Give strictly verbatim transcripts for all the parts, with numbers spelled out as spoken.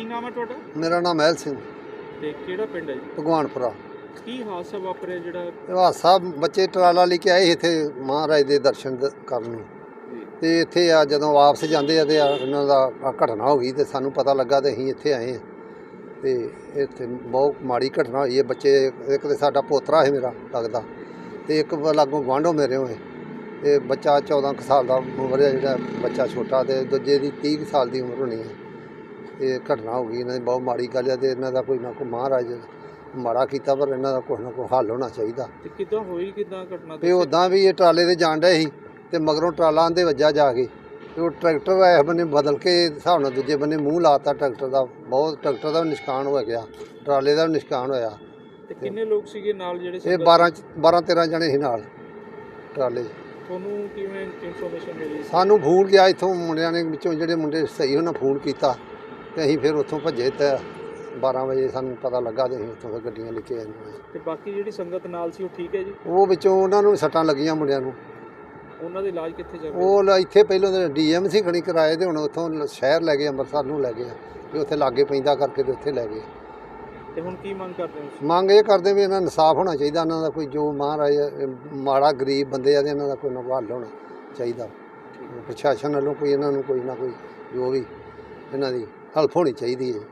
नाम है तुहाडा? मेरा नाम महल सिंह, ते केड़ा पिंड है जी? भगवानपुरा। की हादसा वापरिया जिहड़ा? ਇਹ ਹਾਦਸਾ ਬੱਚੇ ਟਰਾਲਾ ਲੈ ਕੇ ਆਏ ਸੀ ਇੱਥੇ ਮਹਾਰਾਜ ਦੇ ਦਰਸ਼ਨ ਦ- ਕਰਨ ਨੂੰ, ਤੇ ਇੱਥੇ ਆ ਜਦੋਂ ਵਾਪਸ ਜਾਂਦੇ ਆ ਤੇ ਆ ਇਹਨਾਂ ਦਾ ਆਹ ਘਟਨਾ ਹੋ ਗਈ ਤੇ ਸਾਨੂੰ ਪਤਾ ਲੱਗਾ ਤੇ ਅਸੀਂ ਇੱਥੇ ਆਏ ਹਾਂ। ਤੇ ਇੱਥੇ ਬਹੁਤ ਮਾੜੀ ਘਟਨਾ ਹੋਈ ਹੈ। ਬੱਚੇ, ਇੱਕ ਤੇ ਸਾਡਾ ਪੋਤਰਾ ਹੈ ਮੇਰਾ ਲੱਗਦਾ, ਤੇ ਇੱਕ ਲਾਗੋਂ ਗੁਆਂਢੋਂ ਮੇਰੇ ਹੋਏ, ਤੇ ਬੱਚਾ ਚੌਦਾਂ ਕੁ ਸਾਲ ਦਾ ਉਮਰ ਹੈ, ਜਿਹੜਾ ਬੱਚਾ ਛੋਟਾ, ਤੇ ਦੂਜੇ ਦੀ ਤੀਹ ਕੁ ਸਾਲ ਦੀ ਉਮਰ ਹੋਣੀ ਹੈ। ਇਹ ਘਟਨਾ ਹੋ ਗਈ, ਇਹਨਾਂ ਦੀ ਬਹੁਤ ਮਾੜੀ ਗੱਲ ਹੈ, ਤੇ ਇਹਨਾਂ ਦਾ ਕੋਈ ਨਾ ਕੋਈ ਮਹਾਰਾਜ ਮਾੜਾ ਕੀਤਾ, ਪਰ ਇਹਨਾਂ ਦਾ ਕੁਛ ਨਾ ਕੋਈ ਹੱਲ ਹੋਣਾ ਚਾਹੀਦਾ। ਤੇ ਕਿੱਦਾਂ ਹੋਈ ਕਿੱਦਾਂ ਘਟਨਾ? ਤੇ ਉੱਦਾਂ ਵੀ ਇਹ ਟਰਾਲੇ 'ਤੇ ਜਾਣ ਡਏ ਸੀ, ਤੇ ਮਗਰੋਂ ਟਰਾਲਾ ਆਂਦੇ ਵੱਜਾ ਜਾ ਕੇ, ਤੇ ਉਹ ਟਰੈਕਟਰ ਇਸ ਬੰਨੇ ਬਦਲ ਕੇ ਹਿਸਾਬ ਨਾਲ ਦੂਜੇ ਬੰਨੇ ਮੂੰਹ ਲਾਤਾ ਟਰੈਕਟਰ ਦਾ। ਬਹੁਤ ਟਰੈਕਟਰ ਦਾ ਵੀ ਨੁਕਸਾਨ ਹੋ ਗਿਆ, ਟਰਾਲੇ ਦਾ ਵੀ ਨੁਕਸਾਨ ਹੋਇਆ। ਤੇ ਕਿੰਨੇ ਲੋਕ ਸੀਗੇ ਨਾਲ ਜਿਹੜੇ? ਇਹ ਬਾਰਾਂ ਬਾਰਾਂ ਤੇਰਾਂ ਜਣੇ ਸੀ ਨਾਲ ਟਰਾਲੇ 'ਚ। ਤੁਹਾਨੂੰ ਕਿਵੇਂ ਇਨਫੋਰਮੇਸ਼ਨ ਮਿਲੀ? ਸਾਨੂੰ ਫੋਨ ਗਿਆ ਇੱਥੋਂ ਮੁੰਡਿਆਂ ਨੇ, ਵਿੱਚੋਂ ਜਿਹੜੇ ਮੁੰਡੇ ਸਹੀ ਉਹਨਾਂ ਫੋਨ ਕੀਤਾ, ਤੇ ਅਸੀਂ ਫਿਰ ਉੱਥੋਂ ਭੱਜੇ, ਤੇ ਬਾਰਾਂ ਵਜੇ ਸਾਨੂੰ ਪਤਾ ਲੱਗਾ, ਤੇ ਅਸੀਂ ਉੱਥੋਂ ਫਿਰ ਗੱਡੀਆਂ ਲੈ ਕੇ ਆਏ। ਤੇ ਬਾਕੀ ਜਿਹੜੀ ਸੰਗਤ ਨਾਲ ਸੀ ਉਹ ਠੀਕ ਹੈ ਜੀ? ਉਹ ਵਿੱਚੋਂ ਉਹਨਾਂ ਨੂੰ ਵੀ ਸੱਟਾਂ ਲੱਗੀਆਂ ਮੁੰਡਿਆਂ ਨੂੰ। ਉਹਨਾਂ ਦਾ ਇਲਾਜ ਕਿੱਥੇ ਚੱਲ ਰਿਹਾ? ਉਹ ਲ- ਇੱਥੇ ਪਹਿਲਾਂ ਤਾਂ ਡੀ ਐਮ ਸੀ ਖਣੀ ਕਰਾਏ, ਤੇ ਹੁਣ ਉੱਥੋਂ ਲ- ਸ਼ਹਿਰ ਲੈ ਗਏ, ਅੰਮ੍ਰਿਤਸਰ ਨੂੰ ਲੈ ਗਏ, ਵੀ ਉੱਥੇ ਲਾਗੇ ਪੈਂਦਾ ਕਰਕੇ ਤੇ ਉੱਥੇ ਲੈ ਗਏ। ਤੇ ਹੁਣ ਕੀ ਮੰਗ ਕਰਦੇ ਹੋ? ਮੰਗ ਇਹ ਕਰਦੇ ਵੀ ਇਹਨਾਂ ਨੂੰ ਇਨਸਾਫ ਹੋਣਾ ਚਾਹੀਦਾ, ਇਹਨਾਂ ਦਾ ਕੋਈ ਜੋ ਮਹਾਰਾਜ ਇਹ ਮਾੜਾ ਗਰੀਬ ਬੰਦੇ ਆ, ਤੇ ਇਹਨਾਂ ਦਾ ਕੋਈ ਨਾ ਕੋਈ ਹੱਲ ਹੋਣਾ ਚਾਹੀਦਾ। ਪ੍ਰਸ਼ਾਸਨ ਵੱਲੋਂ ਕੋਈ ਇਹਨਾਂ ਨੂੰ ਕੋਈ ਨਾ ਕੋਈ ਜੋ ਵੀ ਇਹਨਾਂ ਦੀ ਹੈਲਪ ਹੋਣੀ ਚਾਹੀਦੀ ਹੈ।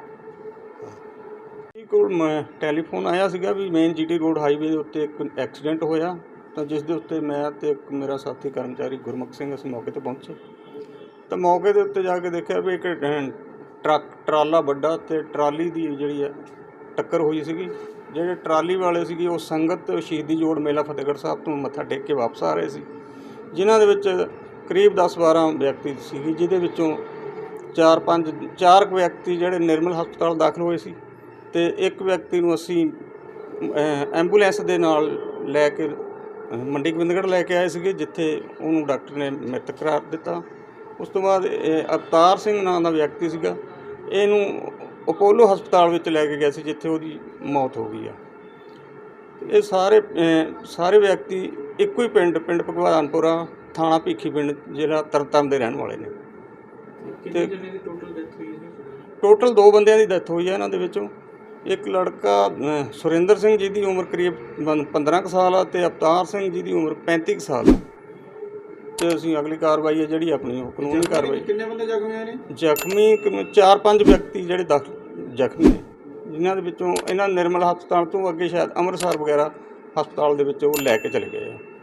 ਜੀ ਕੋਲ ਮੈਂ ਟੈਲੀਫੋਨ ਆਇਆ ਸੀਗਾ ਵੀ ਮੇਨ ਜੀਟੀ ਰੋਡ ਹਾਈਵੇ ਦੇ ਉੱਤੇ ਇੱਕ ਐਕਸੀਡੈਂਟ ਹੋਇਆ, ਤਾਂ ਜਿਸ ਦੇ ਉੱਤੇ ਮੈਂ ਤੇ ਇੱਕ ਮੇਰਾ ਸਾਥੀ ਕਰਮਚਾਰੀ ਗੁਰਮੁਖ ਸਿੰਘ ਅਸੀਂ ਮੌਕੇ 'ਤੇ ਪਹੁੰਚੇ। ਤਾਂ ਮੌਕੇ ਦੇ ਉੱਤੇ ਜਾ ਕੇ ਦੇਖਿਆ ਵੀ ਇੱਕ ਅਹ, ਟਰੱਕ ਟਰਾਲਾ ਵੱਡਾ ਤੇ ਟਰਾਲੀ ਦੀ ਜਿਹੜੀ ਹੈ ਟੱਕਰ ਹੋਈ ਸੀਗੀ। ਜਿਹੜੇ ਟਰਾਲੀ ਵਾਲੇ ਸੀਗੇ ਉਹ ਸੰਗਤ ਸ਼ਹੀਦੀ ਜੋੜ ਮੇਲਾ ਫਤਿਹਗੜ੍ਹ ਸਾਹਿਬ ਤੋਂ ਮੱਥਾ ਟੇਕ ਕੇ ਵਾਪਸ ਆ ਰਹੇ ਸੀ, ਜਿਨ੍ਹਾਂ ਦੇ ਵਿੱਚ ਕਰੀਬ ਦਸ ਬਾਰਾਂ ਵਿਅਕਤੀ ਸੀਗੇ, ਜਿਹਦੇ ਵਿੱਚੋਂ ਚਾਰ ਪੰਜ ਚਾਰ ਕੁ ਵਿਅਕਤੀ ਜਿਹੜੇ ਨਿਰਮਲ ਹਸਪਤਾਲ ਦਾਖਲ ਹੋਏ ਸੀ, ਤੇ ਇੱਕ ਵਿਅਕਤੀ ਨੂੰ ਅਸੀਂ ਐਂਬੂਲੈਂਸ ਦੇ ਨਾਲ ਲੈ ਕੇ ਮੰਡੀ ਗੋਬਿੰਦਗੜ੍ਹ ਲੈ ਕੇ ਆਏ ਸੀਗੇ, ਜਿੱਥੇ ਉਹਨੂੰ ਡਾਕਟਰ ਨੇ ਮ੍ਰਿਤਕ ਕਰਾਰ ਦਿੱਤਾ। ਉਸ ਤੋਂ ਬਾਅਦ ਇਹ ਅਵਤਾਰ ਸਿੰਘ ਨਾਂ ਦਾ ਵਿਅਕਤੀ ਸੀਗਾ, ਇਹਨੂੰ ਅਪੋਲੋ ਹਸਪਤਾਲ ਵਿੱਚ ਲੈ ਕੇ ਗਏ ਸੀ, ਜਿੱਥੇ ਉਹਦੀ ਮੌਤ ਹੋ ਗਈ ਆ। ਇਹ ਸਾਰੇ ਸਾਰੇ ਵਿਅਕਤੀ ਇੱਕੋ ਹੀ ਪਿੰਡ ਪਿੰਡ ਭਗਵਾਨਪੁਰਾ, ਥਾਣਾ ਭੀਖੀ ਪਿੰਡ, ਜ਼ਿਲ੍ਹਾ ਤਰਨਤਾਰਨ ਦੇ ਰਹਿਣ ਵਾਲੇ ਨੇ। ਕਿੰਨੇ ਜਣੇ ਦੀ ਟੋਟਲ ਡੈਥ ਹੋਈ ਹੈ? ਟੋਟਲ ਦੋ ਬੰਦਿਆਂ ਦੀ ਡੈਥ ਹੋਈ ਹੈ ਇਹਨਾਂ ਦੇ ਵਿੱਚੋਂ। ਇੱਕ ਲੜਕਾ ਅ, ਸੁਰਿੰਦਰ ਸਿੰਘ ਜੀ ਦੀ ਉਮਰ ਕਰੀਬ ਬੰ- ਪੰਦਰਾਂ ਕੁ ਸਾਲ ਆ, ਤੇ ਅਵਤਾਰ ਸਿੰਘ ਜੀ ਦੀ ਉਮਰ ਪੈਂਤੀ ਕੁ ਸਾਲ ਆ। ਤੇ ਅਸੀਂ ਅਗਲੀ ਕਾਰਵਾਈ ਹੈ ਜਿਹੜੀ ਆਪਣੀ ਉਹ ਕਾਨੂੰਨੀ ਕਾਰਵਾਈ। ਕਿੰਨੇ ਬੰਦੇ ਜ਼ਖਮੀ ਹੋਏ ਨੇ? ਜ਼ਖਮੀ ਕਿਵੇਂ ਚਾਰ ਪੰਜ ਵਿਅਕਤੀ ਜਿਹੜੇ ਦਾਖਲ ਜ਼ਖਮੀ ਨੇ, ਜਿਨ੍ਹਾਂ ਦੇ ਵਿੱਚੋਂ ਇਹਨਾਂ ਨਿਰਮਲ ਹਸਪਤਾਲ ਤੋਂ ਅੱਗੇ ਸ਼ਾਇਦ ਅੰਮ੍ਰਿਤਸਰ ਵਗੈਰਾ ਹਸਪਤਾਲ ਦੇ ਵਿੱਚ ਉਹ ਲੈ ਕੇ ਚਲੇ ਗਏ ਆ।